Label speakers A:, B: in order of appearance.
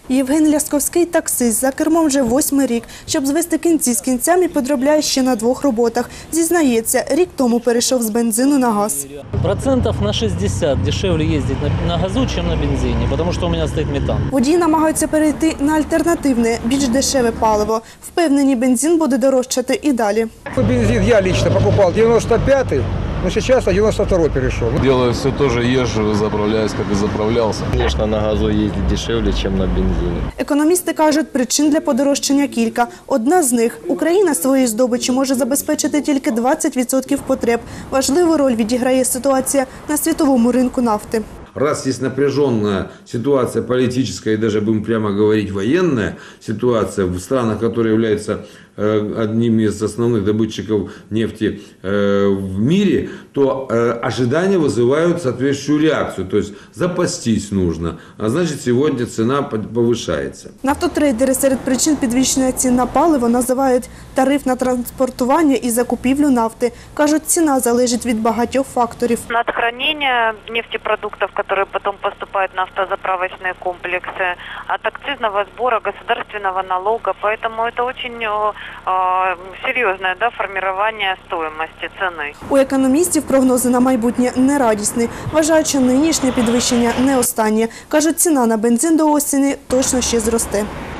A: Євген Лясковський – таксист. За кермом вже 8-й рік. Щоб звести кінці з кінцями, підробляє ще на 2 роботах. Зізнається, рік тому перейшов з бензину на газ.
B: Процентов на 60 дешевле ездить на газу, чем на бензине, потому что у меня стоит метан.
A: Водії намагаються перейти на альтернативне, більш дешеве паливо. Впевнені, бензин буде дорожчати і далі.
C: Бензин я лично покупал 95-й, но сейчас на 92-й перешел.
D: Делаю все тоже, езжу, заправляюсь, как и заправлялся.
E: Конечно, на газу ездить дешевле, чем на бензине.
A: Економісти кажуть, причин для подорожчання кілька. Одна з них – Україна своєї здобичі може забезпечити тільки 20% потреб. Важливу роль відіграє ситуація на світовому ринку нафти.
F: Раз есть напряженная ситуация политическая и даже, будем прямо говорить, военная ситуация в странах, которые являются одним из основных добытчиков нефти в мире, то ожидания вызывают соответствующую реакцию. То есть запастись нужно, а значит сегодня цена повышается.
A: Нафтотрейдери серед причин підвищення цін на паливо називають тариф на транспортування і закупівлю нафти. Кажуть, ціна залежить від багатьох факторів.
G: От хранения нефтепродуктов, которые потом поступают в нафтозаправочные комплексы, от акцизного сбора, государственного налога. Поэтому это очень серьезное формирование стоимости цены.
A: У економістів прогнози на майбутнє не радісні. Вважають, що нинішнє підвищення не останнє. Кажуть, ціна на бензин до осені точно ще зросте.